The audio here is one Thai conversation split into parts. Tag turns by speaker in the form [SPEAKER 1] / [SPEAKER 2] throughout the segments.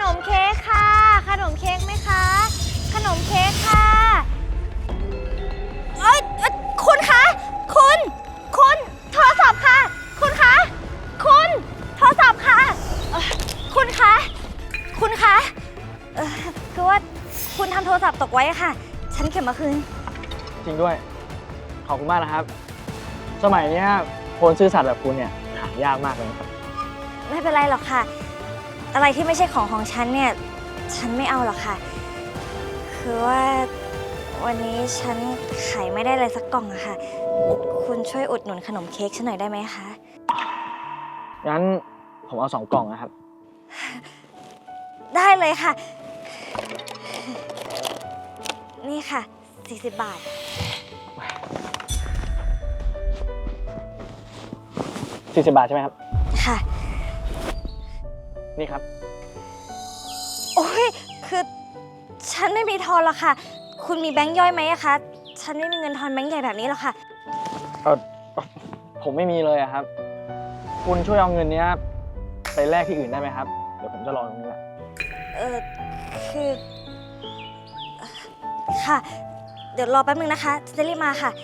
[SPEAKER 1] มเค้กค่ะขนมเค้กไหมคะขนมเค้กค่ะคุณคะคุณโทรศัพท์ค่ะคุณคะคุณโทรศัพท์ค่ะคุณคะคือว่าคุณทำโทรศัพท์ตกไว้ค่ะฉันเก็บมาคืน
[SPEAKER 2] จริงด้วยขอบคุณมากนะครับสมัยนี้คนซื่อสัตย์แบบคุณเนี่ยหายากมากเลยนะครับ
[SPEAKER 1] ไม่เป็นไรหรอกค่ะอะไรที่ไม่ใช่ของฉันเนี่ยฉันไม่เอาหรอกค่ะคือว่าวันนี้ฉันขายไม่ได้อะไรสักกล่องอะค่ะคุณช่วยอุดหนุนขนมเค้กฉันหน่อยได้ไหมคะ
[SPEAKER 2] งั้นผมเอา2 กล่องนะครับ
[SPEAKER 1] ได้เลยค่ะนี่ค่ะ40 บาท
[SPEAKER 2] 40 บาทใช่ไหมครับ
[SPEAKER 1] ค่ะ
[SPEAKER 2] นี่ครับ
[SPEAKER 1] โอ้ยคือฉันไม่มีทอนหรอกค่ะคุณมีแบงค์ย่อยไหมอะคะฉันไม่มีเงินทอนแบงค์ใหญ่แบบนี้หรอกค่ะ
[SPEAKER 2] ผมไม่มีเลยครับคุณช่วยเอาเงินนี้ไปแลกที่อื่นได้ไหมครับเดี๋ยวผมจะรอตรงนี้แหละ
[SPEAKER 1] คือค่ะเดี๋ยวรอแป๊บนึงนะคะจะรีบมาค่ะ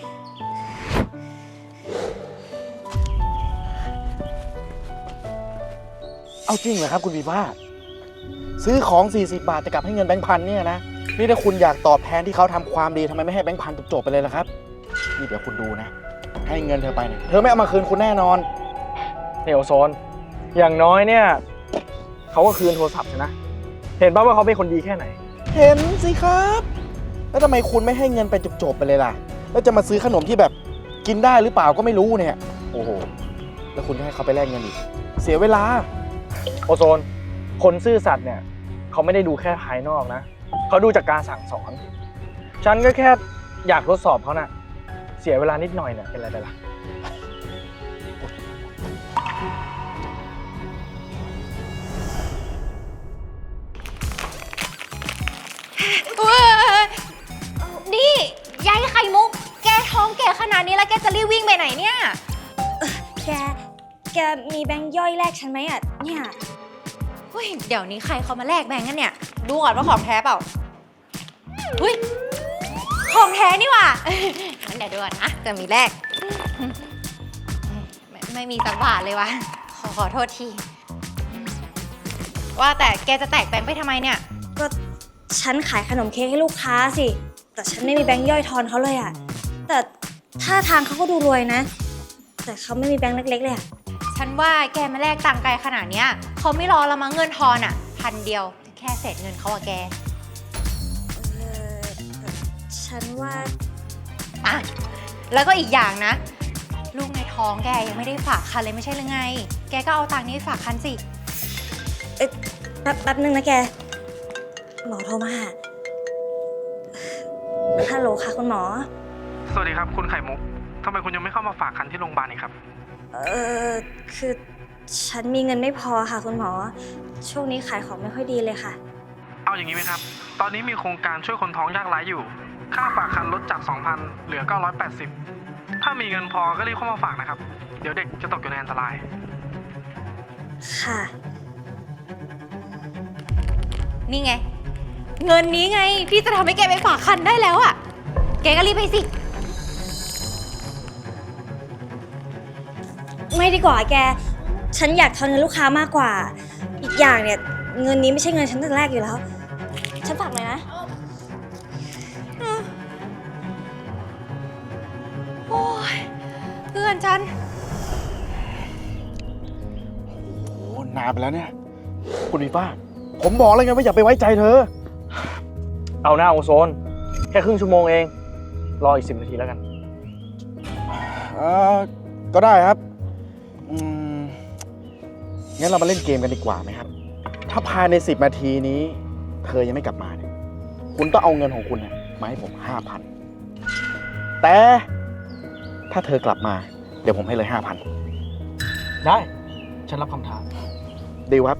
[SPEAKER 3] เอาจริงเหรอครับคุณวีว่าซื้อของ40 บาทจะกลับให้เงินแบงค์พันเนี่ยนะนี่ถ้าคุณอยากตอบแทนที่เขาทำความดีทำไมไม่ให้แบงค์พันจบๆไปเลยล่ะครับนี่เดี๋ยวคุณดูนะให้เงินเธอไปเนี่ยเธอไม่เอามาคืนคุณแน่นอน
[SPEAKER 2] นี่โอโซนอย่างน้อยเนี่ยเขาก็คืนโทรศัพท์ใช่นะเห็นป่ะว่าเขาเป็นคนดีแค่ไหน
[SPEAKER 3] เห็นสิครับแล้วทำไมคุณไม่ให้เงินไปจบๆไปเลยล่ะแล้วจะมาซื้อขนมที่แบบกินได้หรือเปล่าก็ไม่รู้เนี่ยโอ้โหแล้วคุณให้เขาไปแลกเงินอีกเสียเวลา
[SPEAKER 2] โอโซนคนซื่อสัตย์เนี่ยเขาไม่ได้ดูแค่ภายนอกนะเขาดูจากการสั่งสอนฉันก็แค่อยากทดสอบเขาน่ะเสียเวลานิดหน่อยเนี่ยเป็นไรไปล่ะ
[SPEAKER 1] นี่ยายไข่มุกแกท้องแกขนาดนี้แล้วแกจะรีบวิ่งไปไหนเนี่ยแกมีแบงค์ย่อยแลกฉันไหมอ่ะเนี่ย
[SPEAKER 4] เดี๋ยวนี้ใครเขามาแลกแบงค์กันเนี่ยดูก่อนว่าของแท้เปล่าของแท้นี่หว่างั้นเดี๋ยวดูก่อนนะจะมีแลกไม่มีสักบาทเลยวะขอโทษทีว่าแต่แกจะแตกแบงค์ไปทำไมเนี่ย
[SPEAKER 1] ก็ฉันขายขนมเค้กให้ลูกค้าสิแต่ฉันไม่มีแบงค์ย่อยทอนเขาเลยอ่ะแต่ท่าทางเขาก็ดูรวยนะแต่เขาไม่มีแบงค์เล็กๆเลยอ่ะ
[SPEAKER 4] ฉันว่าแกมาแลกตังค์ไกลขนาดเนี้ยเขาไม่รอละมั้งเงินทอนอ่ะ1,000 เดียวแค่เศษเงินเขาอะแก
[SPEAKER 1] ฉันว่า
[SPEAKER 4] แล้วก็อีกอย่างนะลูกในท้องแกยังไม่ได้ฝากคันเลยไม่ใช่หรือไงแกก็เอาตังค์นี้ไปฝากคันสิ
[SPEAKER 1] แป๊บนึงนะแกหมอโทรมาฮัลโหลค่ะคุณหมอ
[SPEAKER 5] สวัสดีครับคุณไข่มุกทำไมคุณยังไม่เข้ามาฝากคันที่โรงพยาบาลอีกครับ
[SPEAKER 1] คือฉันมีเงินไม่พอค่ะคุณหมอช่วงนี้ขายของไม่ค่อยดีเลยค่ะ
[SPEAKER 5] เอาอย่างนี้ไหมครับตอนนี้มีโครงการช่วยคนท้องยากไร้อยู่ค่าฝากคันลดจาก 2,000 เหลือ 980ถ้ามีเงินพอก็รีบเข้ามาฝากนะครับเดี๋ยวเด็กจะตกอยู่ในอันตราย
[SPEAKER 1] ค่ะ
[SPEAKER 4] นี่ไงเงินนี้ไงที่จะทำให้แกไปฝากคันได้แล้วอ่ะแกก็รีบไปสิ
[SPEAKER 1] ไม่ดีกว่าแกฉันอยากทอนเงินลูกค้ามากกว่าอีกอย่างเนี่ยเงินนี้ไม่ใช่เงินฉันตั้งแต่แรกอยู่แล้วฉันฝากเลยนะ
[SPEAKER 4] โอ้ยเพื่อนฉัน
[SPEAKER 3] โอ้นานไปแล้วเนี่ยคุณวีฟ้าผมบอกแล้วไงว่าอย่าไปไว้ใจเธอ
[SPEAKER 2] เอาหน้าโอโซนแค่ครึ่งชั่วโมงเองรออีก10 นาทีแล้วกัน
[SPEAKER 3] ก็ได้ครับงั้นเรามาเล่นเกมกันดีกว่าไหมครับถ้าภายใน10 นาทีนี้เธอยังไม่กลับมาเนี่ยคุณต้องเอาเงินของคุณมาให้ผม 5,000 แต่ถ้าเธอกลับมาเดี๋ยวผมให้เลย 5,000
[SPEAKER 2] ได้ฉันรับคำท้า
[SPEAKER 3] ดีลครับ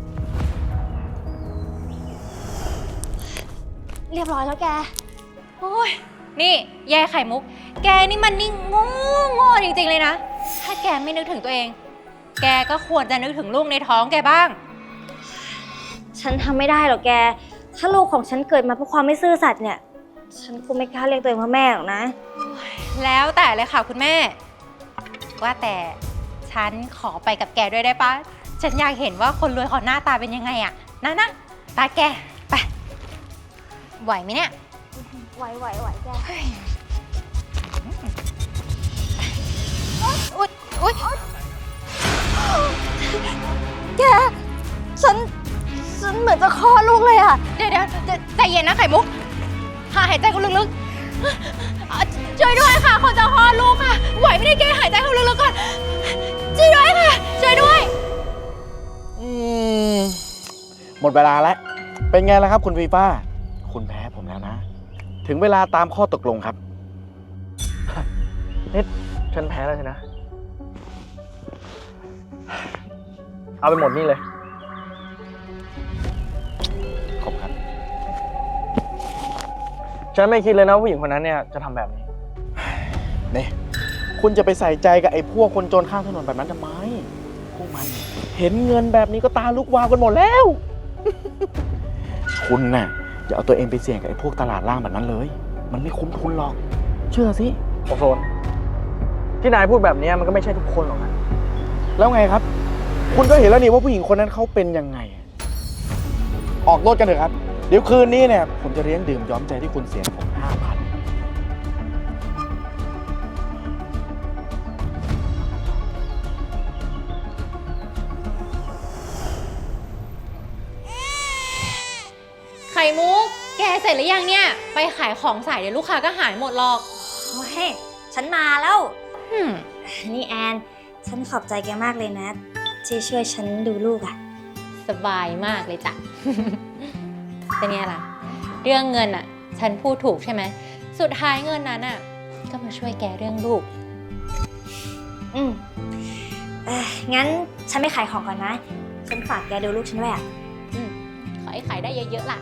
[SPEAKER 1] เรียบร้อยแล้วแก
[SPEAKER 4] โอ้ยนี่ยายไข่มุกแกนี่มันนี่โง่จริงๆเลยนะถ้าแกไม่นึกถึงตัวเองแกก็ควรจะนึกถึงลูกในท้องแกบ้าง
[SPEAKER 1] ฉันทำไม่ได้หรอกแก ถ้าลูกของฉันเกิดมาเพราะความไม่ซื่อสัตย์เนี่ย ฉันคงไม่กล้าเรียกตัวเองว่าแม่หรอกนะ
[SPEAKER 4] แล้วแต่เลยค่ะคุณแม่ ว่าแต่ฉันขอไปกับแกด้วยได้ปะฉันอยากเห็นว่าคนรวยเขาหน้าตาเป็นยังไงอะนะตาแกไปไหวไหมเนี่ย
[SPEAKER 1] ไหวแก
[SPEAKER 4] อุ๊ยอุ๊ย
[SPEAKER 1] แก ฉันเหมือนจะคลอดลูกเลยอะ
[SPEAKER 4] เดี๋ยวใจเย็นนะไข่มุกหายใจเข้าลึกๆช่วยด้วยค่ะคนจะคลอดลูกค่ะไหวไม่ได้แกหายใจเข้าลึกๆก่อนช่วยด้วยค่ะช่วยด้วย
[SPEAKER 3] หมดเวลาแล้ว เป็นไงล่ะครับคุณฟีฟ้า คุณแพ้ผมแล้วนะ ถึงเวลาตามข้อตกลงครับ
[SPEAKER 2] นี่ฉันแพ้แล้วใช่นะ เอาไปหมดนี่เลย
[SPEAKER 3] ขอบครับ
[SPEAKER 2] ฉันไม่คิดเลยนะว่าผู้หญิงคนนั้นเนี่ยจะทำแบบนี้
[SPEAKER 3] นี่คุณจะไปใส่ใจกับไอ้พวกคนจนข้างถนนแบบนั้นทำไม พวกมันเห็นเงินแบบนี้ก็ตาลุกวาวกันหมดแล้ว คุณน่ะอย่าเอาตัวเองไปเสี่ยงกับไอ้พวกตลาดล่างแบบนั้นเลย มันไม่คุ้มทุนหรอก เชื่อสิ
[SPEAKER 2] โอโซน ที่นายพูดแบบนี้มันก็ไม่ใช่ทุกคนหรอกนะ
[SPEAKER 3] แล้วไงครับ คุณก็เห็นแล้วนี่ว่าผู้หญิงคนนั้นเขาเป็นยังไง ออกรถกันเถอะครับ เดี๋ยวคืนนี้เนี่ยผมจะเลี้ยงดื่มย้อมใจที่คุณเสียผม 5,000
[SPEAKER 4] ไข่มุกแกเสร็จหรือยังเนี่ยไปขายของสายเดี๋ยวลูกค้าก็หายหมดหรอก
[SPEAKER 1] โอ้ยฉันมาแล้ว
[SPEAKER 4] อืม
[SPEAKER 1] นี่แอน ฉันขอบใจแกมากเลยนะ ที่ช่วยฉันดูลูกอะ
[SPEAKER 4] สบายมากเลยจ้ะ เป็นไงล่ะ เรื่องเงินอ่ะ ฉันพูดถูกใช่ไหมสุดท้ายเงินนั้นอ่ะก็มาช่วยแกเรื่องลูก
[SPEAKER 1] อืมงั้นฉันไม่ขายของก่อนนะ ฉันฝากแกดูลูกฉันด้วยอะ
[SPEAKER 4] ขอให้ขายได้เยอะๆล่ะ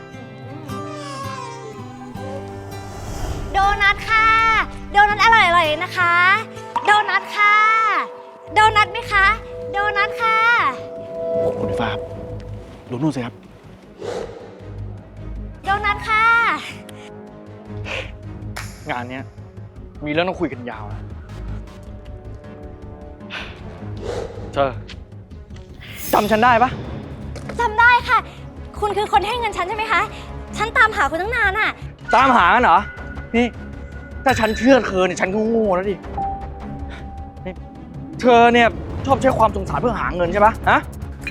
[SPEAKER 1] โดนัทค่ะ โดนัทอร่อยๆเลยนะคะ โดนัทค่ะ โดนัทไหมคะ โดนัทค่ะ
[SPEAKER 3] คุณฟ้าครับดูนู่นสิครับ
[SPEAKER 1] โดนัทค่ะ
[SPEAKER 2] งานเนี้ยมีเรื่องต้องคุยกันยาวนะเธอจำฉันได้ปะ
[SPEAKER 1] จำได้ค่ะ คุณคือคนให้เงินฉันใช่ไหมคะ ฉันตามหาคุณตั้งนานอะ
[SPEAKER 2] ตามหากันเหรอ นี่ถ้าฉันเชื่อเธอเนี่ยฉันก็โง่แล้วดินี่เธอเนี่ยชอบใช้ความสงสารเพื่อหาเงินใช่ปะฮะ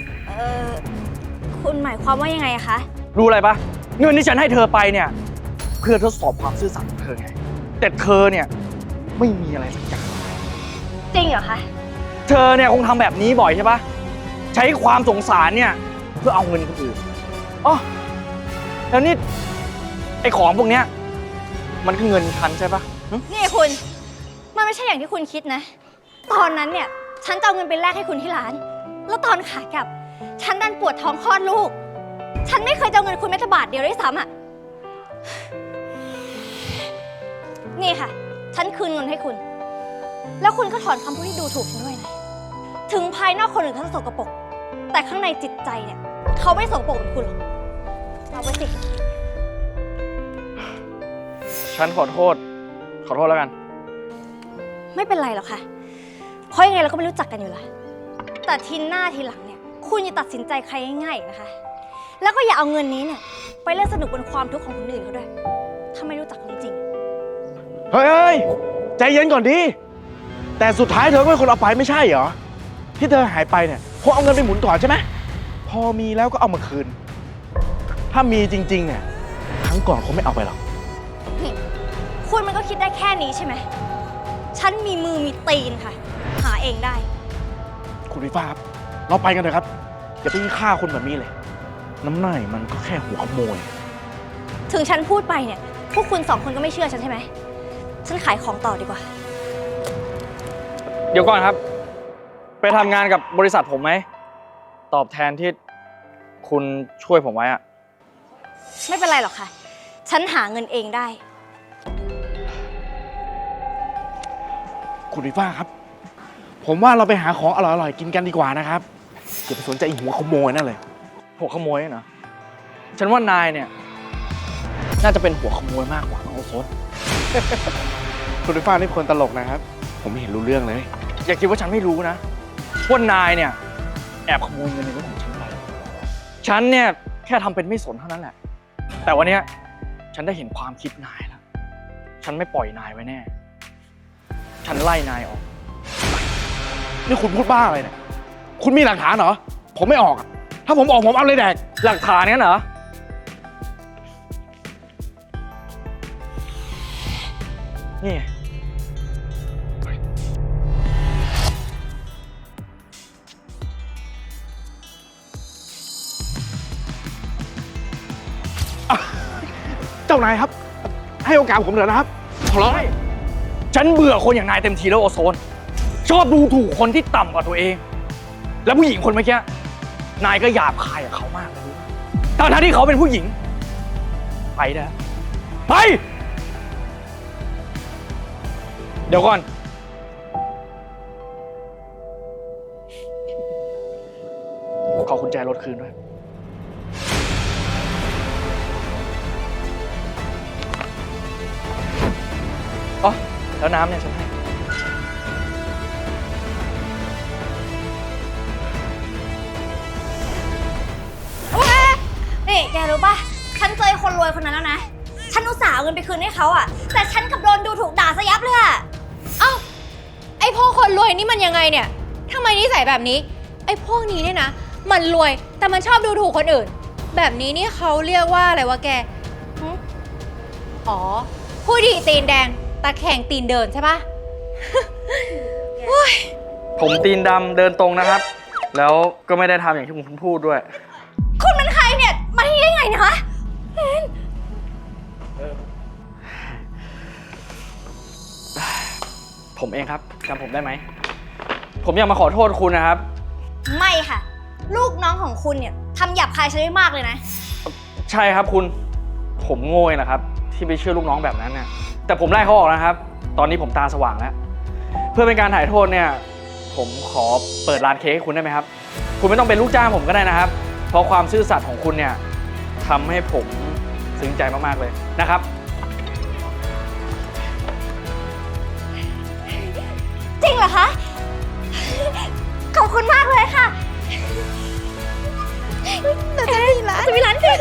[SPEAKER 1] คุณหมายความว่ายังไงอะคะ
[SPEAKER 2] รู้อะไรปะเงินที่ฉันให้เธอไปเนี่ยเพื่อทดสอบความซื่อสัตย์ของเธอไง แต่เธอเนี่ยไม่มีอะไรสักอย่าง
[SPEAKER 1] จริงเหรอคะ
[SPEAKER 2] เธอเนี่ยคงทำแบบนี้บ่อยใช่ปะใช้ความสงสารเนี่ยเพื่อเอาเงินคนอื่นอ๋อแล้วนี่ไอ้ของพวกเนี้ยมันคือเงินฉันใช่ปะหึ
[SPEAKER 1] นี่คุณ มันไม่ใช่อย่างที่คุณคิดนะ ตอนนั้นเนี่ยฉันจะเอาเงินไปแลกให้คุณที่ร้าน แล้วตอนขากลับ ฉันดันปวดท้องคลอดลูก ฉันไม่เคยจะเอาเงินคุณแม้แต่บาทเดียวด้วยซ้ำอ่ะ นี่ค่ะ ฉันคืนเงินให้คุณ แล้วคุณก็ถอนคำพูดที่ดูถูกฉันด้วยนะ ถึงภายนอกคนอื่นเขาจะสกปรก แต่ข้างในจิตใจเนี่ยเขาไม่สกปรกเหมือนคุณหรอก เอาไปสิ
[SPEAKER 2] ฉันขอโทษแล้วกัน
[SPEAKER 1] ไม่เป็นไรหรอกค่ะ เพราะยังไงเราก็ไม่รู้จักกันอยู่แล้วแต่ทีหน้าทีหลังเนี่ย คุณอย่าตัดสินใจใครง่ายๆอีกนะคะ แล้วก็อย่าเอาเงินนี้เนี่ยไปเล่นสนุกบนความทุกข์ของคนอื่นเขาด้วย ถ้าไม่รู้จักจริง
[SPEAKER 3] เฮ้ย ใจเย็นก่อนดิ แต่สุดท้ายเธอก็เป็นคนเอาไปไม่ใช่เหรอ ที่เธอหายไปเนี่ยเพราะเอาเงินไปหมุนก่อนใช่ไหม พอมีแล้วก็เอามาคืน ถ้ามีจริงๆเนี่ยครั้งก่อนคงไม่เอาไปหรอก
[SPEAKER 1] ๆนี่คุณมันก็คิดได้แค่นี้ใช่ไหม ฉันมีมือมีตีนค่ะ หาเองได้
[SPEAKER 3] คุณวิฟ้าครับ เราไปกันเถอะครับ อย่าไปฆ่าคนแบบนี้เลย น้ำหน่ายมันก็แค่หัวขโมย
[SPEAKER 1] ถึงฉันพูดไปเนี่ย พวกคุณสองคนก็ไม่เชื่อฉันใช่ไหม ฉันขายของต่อดีกว่า
[SPEAKER 2] เดี๋ยวก่อนครับ ไปทำงานกับบริษัทผมไหม ตอบแทนที่คุณช่วยผมไว้อะ
[SPEAKER 1] ไม่เป็นไรหรอกค่ะ ฉันหาเงินเองได้
[SPEAKER 3] คุณวิฟ้าครับ ผมว่าเราไปหาของอร่อยๆกินกันดีกว่านะครับอย่าไปสนใจไอ้หัวขโมยนั่นเลย
[SPEAKER 2] หัวขโมยน่ะเหรอฉันว่านายเนี่ย น่าจะเป็นหัวขโมยมากกว่าน้องโอโซน
[SPEAKER 3] คุณฟ้านี่คนตลกนะครับ ผมไม่เห็นรู้เรื่องเลย
[SPEAKER 2] อย่าคิดว่าฉันไม่รู้นะว่านายเนี่ยแอบขโมยเงินในรถของฉันไป ฉันเนี่ยแค่ทำเป็นไม่สนเท่านั้นแหละ แต่วันเนี้ยฉันได้เห็นความคิดนายแล้ว ฉันไม่ปล่อยนายไว้แน่ ฉันไล่นายออก
[SPEAKER 3] นี่คุณพูดบ้าอะไรเนี่ย คุณมีหลักฐานเหรอ ผมไม่ออกอะถ้าผมออกผมเอาเลยแดก
[SPEAKER 2] หลักฐานเนี่ยเหรอ นี่ไง
[SPEAKER 3] เจ้านายครับ ให้โอกาสผมเถอะนะครับ ขอร้อง
[SPEAKER 2] ฉันเบื่อคนอย่างนายเต็มทีแล้วโอโซน ชอบดูถูกคนที่ต่ำกว่าตัวเอง แล้วผู้หญิงคนเมื่อกี้นายก็หยาบคายกับเขามากเลยทั้งที่เขาเป็นผู้หญิง ไปนะไป เดี๋ยวก่อน ขอกุญแจรถคืนด้วย อ๋อ แล้วน้ำเนี่ยฉันให้
[SPEAKER 1] นี่แกรู้ป่ะ ฉันเจอไอ้คนรวยคนนั้นแล้วนะ ฉันอุตส่าห์เอาเงินไปคืนให้เขาอะแต่ฉันกลับโดนดูถูกด่าซะยับเลยอะ
[SPEAKER 4] เอ้า ไอ้พวกคนรวยนี่มันยังไงเนี่ยทำไมนิสัยแบบนี้ ไอ้พวกนี้เนี่ยนะ มันรวยแต่มันชอบดูถูกคนอื่น แบบนี้นี่เขาเรียกว่าอะไรวะแกหึอ๋อ ผู้ดีตีนแดงตาแข่งตีนเดินใช่ปะ
[SPEAKER 2] ผมตีนดำเดินตรงนะครับ แล้วก็ไม่ได้ทำอย่างที่คุณพูดด้วย
[SPEAKER 1] คุณเป็นใครเนี่ย มาที่นี่ได้ไงเนะคะ
[SPEAKER 2] ผมเองครับจำผมได้ไหม ผมอยากมาขอโทษคุณนะครับ
[SPEAKER 1] ไม่ค่ะ ลูกน้องของคุณเนี่ยทำหยาบคายฉันได้มากเลยนะ
[SPEAKER 2] ใช่ครับคุณ ผมโง่เองนะครับ ที่ไปเชื่อลูกน้องแบบนั้นเนี่ยแต่ผมไล่เขาออกนะครับ ตอนนี้ผมตาสว่างแล้ว เพื่อเป็นการถ่ายโทษเนี่ย ผมขอเปิดร้านเค้กให้คุณได้ไหมครับ คุณไม่ต้องเป็นลูกจ้างผมก็ได้นะครับ เพราะความซื่อสัตย์ของคุณเนี่ยทำให้ผมซึ้งใจมากๆเลยนะครับ
[SPEAKER 1] จริงเหรอคะ ขอบคุณมากเลยค่ะแต่จะมีร้านเค้